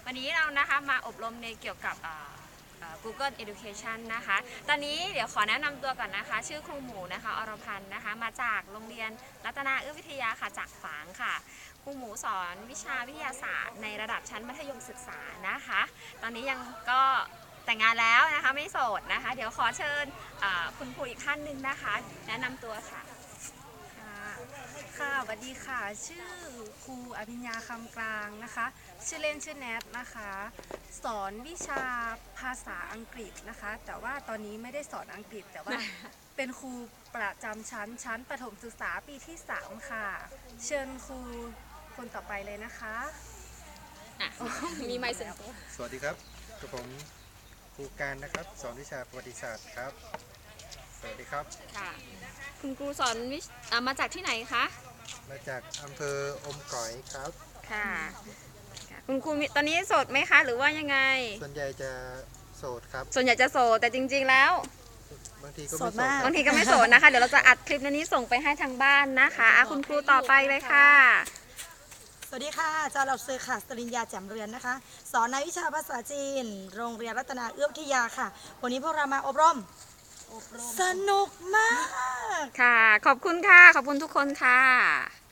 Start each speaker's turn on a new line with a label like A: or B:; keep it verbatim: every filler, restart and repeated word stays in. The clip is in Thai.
A: วันนี้เรานะคะมาอบรมในเกี่ยวกับ Google Education นะคะ ตอนนี้เดี๋ยวขอแนะนำตัวก่อนนะคะ ชื่อครูหมูนะคะอรพันธ์นะคะ มาจากโรงเรียนรัตนาเอื้อวิทยาค่ะจากฝางค่ะ ครูหมูสอนวิชาวิทยาศาสตร์ในระดับชั้นมัธยมศึกษานะคะ ตอนนี้ยังก็แต่งงานแล้วนะคะไม่โสดนะคะ เดี๋ยวขอเชิญคุณครูอีกท่านหนึ่งนะคะ แนะนำตัวค่ะ
B: ค่ะสวัสดีค่ะชื่อครูอภิญญาคำกลางนะคะชื่อเล่นชื่อแนทนะคะสอนวิชาภาษาอังกฤษนะคะแต่ว่าตอนนี้ไม่ได้สอนอังกฤษแต่ว่า เป็นครูประจำชั้นชั้นประถมศึกษาปีที่สามค่ะเชิญครูคนต่อไปเลยนะคะ
A: มีไมค์ส่วนตัว
C: สวัสดีครับกับผมครูการนะครับสอนวิชาประวัติศาสตร์ครับสวัสดีครับ
A: ค่ะคุณครูสอนวิชมาจากที่ไหนคะ
C: มาจากอำเภออมก๋อยครับ
A: ค่ะคุณครูตอนนี้โสดไหมคะหรือว่ายังไง
C: ส่วนใหญ่จะโสดครับ
A: ส่วนใหญ่จะโสดแต่จริงๆแล้ว
C: บางทีก็ไม่โสด
A: บางทีก็ไม่โสดนะคะเดี๋ยวเราจะอัดคลิปนี้ส่งไปให้ทางบ้านนะคะคุณครูต่อไปเลยค่ะ
D: สวัสดีค่ะอาจารย์เหล่าซื้อค่ะสริญญาแจ่มเรือนนะคะสอนในวิชาภาษาจีนโรงเรียนรัตนาเอื้อวิทยาค่ะวันนี้พวกเรามาอบรมสนุกมาก
A: ค่ะขอบคุณค่ะขอบคุณทุกคนค่ะ